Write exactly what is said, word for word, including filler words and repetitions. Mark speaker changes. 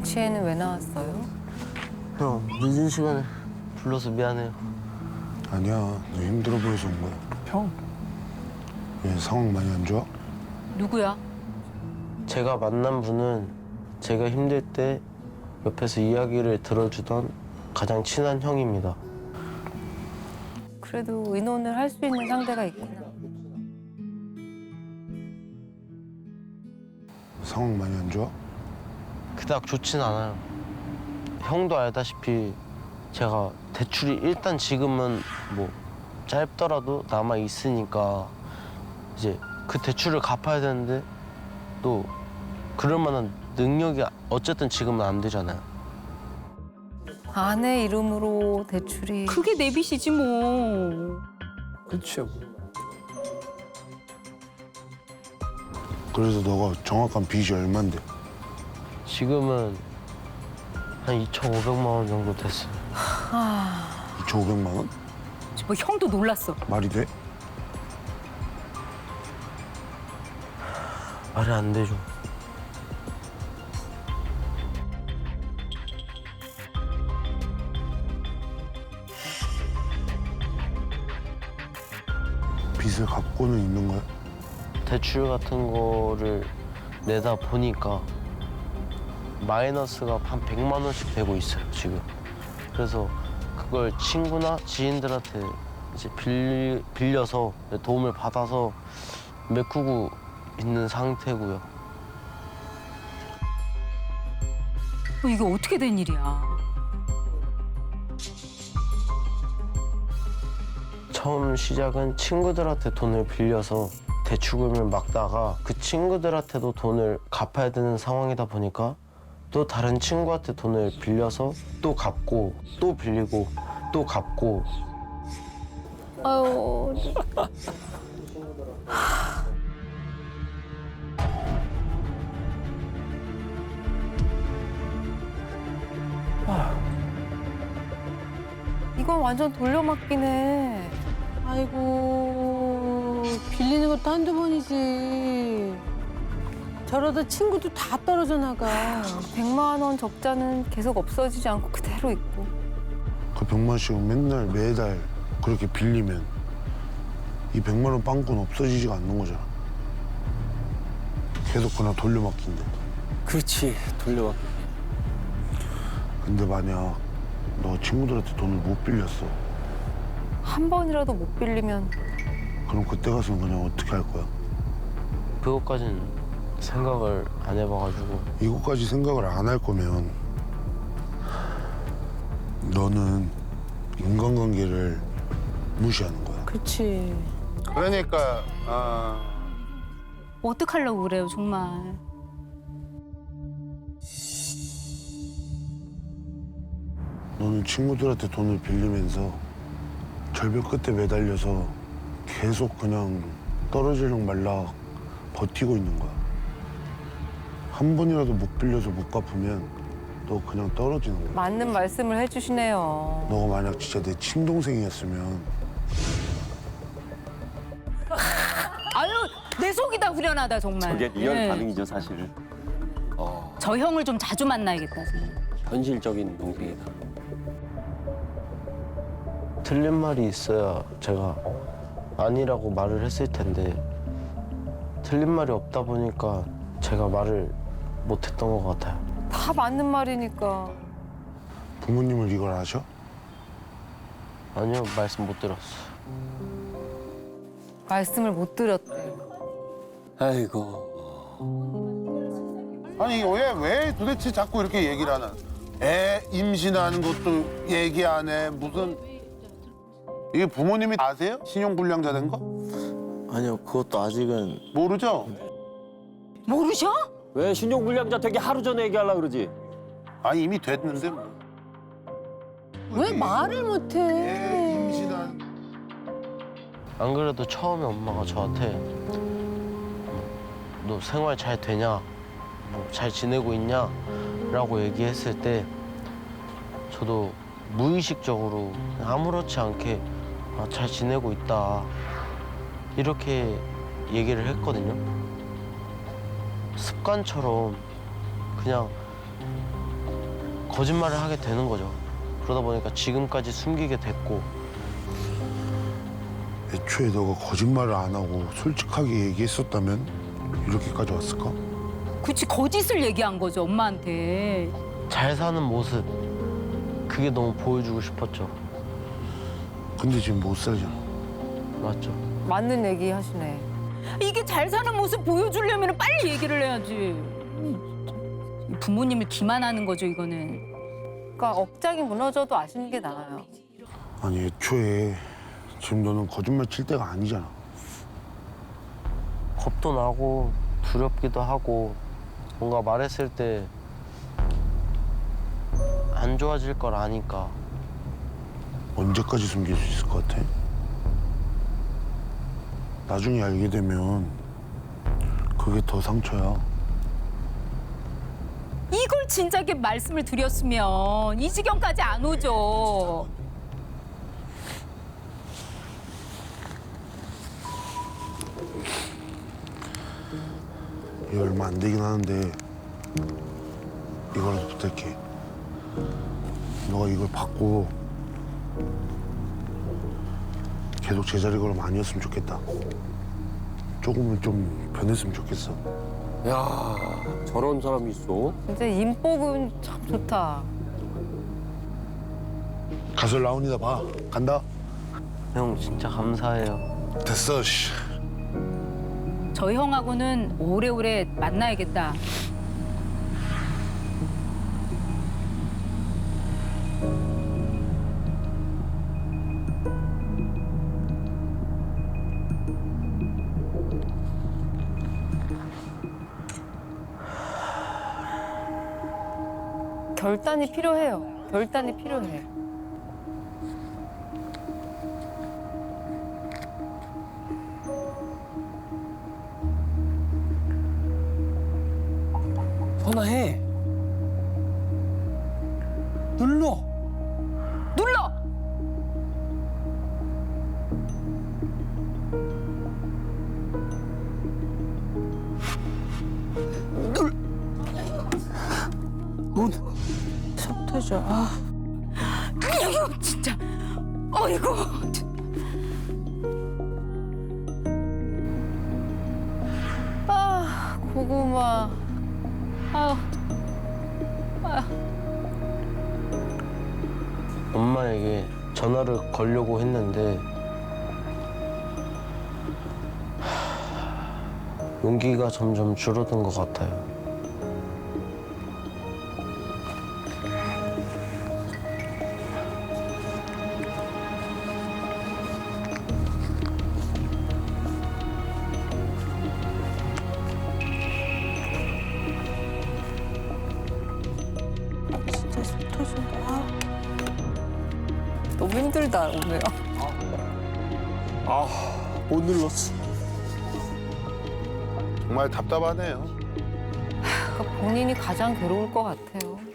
Speaker 1: 조치에는 왜 나왔어요?
Speaker 2: 형, 늦은 시간에 불러서 미안해요.
Speaker 3: 아니야, 너 힘들어 보여서 온 거야.
Speaker 4: 형.
Speaker 3: 왜 상황 많이 안 좋아?
Speaker 1: 누구야?
Speaker 2: 제가 만난 분은 제가 힘들 때 옆에서 이야기를 들어주던 가장 친한 형입니다.
Speaker 1: 그래도 의논을 할 수 있는 상대가 있구나.
Speaker 3: 상황 많이 안 좋아?
Speaker 2: 그닥 좋진 않아요. 형도 알다시피 제가 대출이 일단 지금은 뭐 짧더라도 남아 있으니까 이제 그 대출을 갚아야 되는데 또 그럴 만한 능력이 어쨌든 지금은 안 되잖아요.
Speaker 1: 아내 이름으로 대출이
Speaker 5: 그게 내 빚이지 뭐.
Speaker 4: 그렇죠.
Speaker 3: 그래서 너가 정확한 빚이 얼만데?
Speaker 2: 지금은 한 이천오백만 원 정도 됐어요.
Speaker 3: 이천오백만 원?
Speaker 5: 뭐 형도 놀랐어.
Speaker 3: 말이 돼?
Speaker 2: 말이 안 되죠.
Speaker 3: 빚을 갚고는 있는 거야?
Speaker 2: 대출 같은 거를 내다 보니까 마이너스가 한 백만 원씩 되고 있어요, 지금. 그래서 그걸 친구나 지인들한테 이제 빌, 빌려서 도움을 받아서 메꾸고 있는 상태고요.
Speaker 5: 어, 이게 어떻게 된 일이야?
Speaker 2: 처음 시작은 친구들한테 돈을 빌려서 대출금을 막다가 그 친구들한테도 돈을 갚아야 되는 상황이다 보니까 또 다른 친구한테 돈을 빌려서 또 갚고 또 빌리고 또 갚고
Speaker 1: 아유 이건 완전 돌려막기네.
Speaker 6: 아이고, 빌리는 것도 한두 번이지. 저러다 친구도 다 떨어져 나가.
Speaker 1: 백만 원 적자는 계속 없어지지 않고 그대로 있고.
Speaker 3: 그 백만 원씩은 맨날 매달 그렇게 빌리면 이 백만 원 빵꾸는 없어지지가 않는 거잖아. 계속 그냥 돌려막기인데.
Speaker 4: 그렇지. 돌려받기.
Speaker 3: 근데 만약 너 친구들한테 돈을 못 빌렸어.
Speaker 1: 한 번이라도 못 빌리면
Speaker 3: 그럼 그때 가서는 그냥 어떻게 할 거야?
Speaker 2: 그것까진 생각을 안 해봐가지고
Speaker 3: 이것까지 생각을 안 할 거면 너는 인간관계를 무시하는 거야.
Speaker 6: 그렇지.
Speaker 7: 그러니까 아,
Speaker 5: 어떡하려고 그래요, 정말.
Speaker 3: 너는 친구들한테 돈을 빌리면서 절벽 끝에 매달려서 계속 그냥 떨어지는 말라 버티고 있는 거야. 한 번이라도 못 빌려서 못 갚으면 너 그냥 떨어지는 거야.
Speaker 1: 맞는 말씀을 해주시네요.
Speaker 3: 너가 만약 진짜 내 친동생이었으면
Speaker 5: 아유, 내 속이 다 후련하다, 정말.
Speaker 8: 저게 리얼
Speaker 5: 네.
Speaker 8: 반응이죠, 사실은.
Speaker 4: 어,
Speaker 5: 저 형을 좀 자주 만나야겠다, 정말.
Speaker 4: 현실적인 동생이다.
Speaker 2: 틀린 말이 있어야 제가 아니라고 말을 했을 텐데 틀린 말이 없다 보니까 제가 말을 못했던 것 같아요.
Speaker 1: 다 맞는 말이니까.
Speaker 3: 부모님을 이걸 아셔?
Speaker 2: 아니요, 말씀 못 들었어요.
Speaker 1: 말씀을 못 드렸대.
Speaker 4: 아이고.
Speaker 7: 아니 왜 왜 도대체 자꾸 이렇게 얘기를 하나? 애 임신하는 것도 얘기 안 해. 무슨 이게 부모님이 아세요? 신용불량자 된 거?
Speaker 2: 아니요, 그것도 아직은
Speaker 7: 모르죠?
Speaker 5: 모르셔?
Speaker 8: 왜 신용불량자 되기 하루 전에 얘기하려고 그러지?
Speaker 7: 아니 이미 됐는데 뭐.
Speaker 6: 왜 말을
Speaker 7: 애
Speaker 6: 못해?
Speaker 7: 임신한
Speaker 2: 안 그래도 처음에 엄마가 저한테 너 생활 잘 되냐? 뭐 잘 지내고 있냐? 라고 얘기했을 때 저도 무의식적으로 아무렇지 않게 아, 잘 지내고 있다 이렇게 얘기를 했거든요. 습관처럼 그냥 거짓말을 하게 되는 거죠. 그러다 보니까 지금까지 숨기게 됐고.
Speaker 3: 애초에 너가 거짓말을 안 하고 솔직하게 얘기했었다면 이렇게까지 왔을까?
Speaker 5: 그치 거짓을 얘기한 거죠 엄마한테.
Speaker 2: 잘 사는 모습, 그게 너무 보여주고 싶었죠.
Speaker 3: 근데 지금 못 살잖아.
Speaker 2: 맞죠?
Speaker 1: 맞는 얘기 하시네.
Speaker 5: 이게 잘 사는 모습 보여주려면 빨리 얘기를 해야지. 부모님을 기만하는 거죠 이거는.
Speaker 1: 그러니까 억장이 무너져도 아시는 게 나아요.
Speaker 3: 아니 애초에 지금 너는 거짓말 칠 때가 아니잖아.
Speaker 2: 겁도 나고 두렵기도 하고 뭔가 말했을 때 안 좋아질 걸 아니까.
Speaker 3: 언제까지 숨길 수 있을 것 같아? 나중에 알게 되면 그게 더 상처야.
Speaker 5: 이걸 진작에 말씀을 드렸으면 이 지경까지 안 오죠.
Speaker 3: 이게 얼마 안 되긴 하는데 이거라도 부탁해. 너가 이걸 받고 계속 제자리 걸음 아니었으면 좋겠다. 조금은 좀 변했으면 좋겠어.
Speaker 4: 야, 저런 사람이 있어?
Speaker 1: 진짜 인복은 참 좋다.
Speaker 3: 가서 라운이다 봐. 간다.
Speaker 2: 형 진짜 감사해요.
Speaker 3: 됐어. 씨.
Speaker 5: 저 형하고는 오래오래 만나야겠다.
Speaker 1: 결단이 필요해요. 결단이 필요해.
Speaker 4: 전화해. 눌러.
Speaker 5: 눌러!
Speaker 4: 문.
Speaker 6: 속 터져. 아.
Speaker 5: 이거 진짜. 어이구.
Speaker 1: 아, 고구마.
Speaker 5: 아,
Speaker 2: 엄마에게 전화를 걸려고 했는데 하, 용기가 점점 줄어든 것 같아요.
Speaker 6: 진짜 속 터진다. 아.
Speaker 1: 너무 힘들다, 오늘.
Speaker 4: 아, 못 눌렀어.
Speaker 7: 정말 답답하네요.
Speaker 1: 그러니까 본인이 가장 괴로울 것 같아요.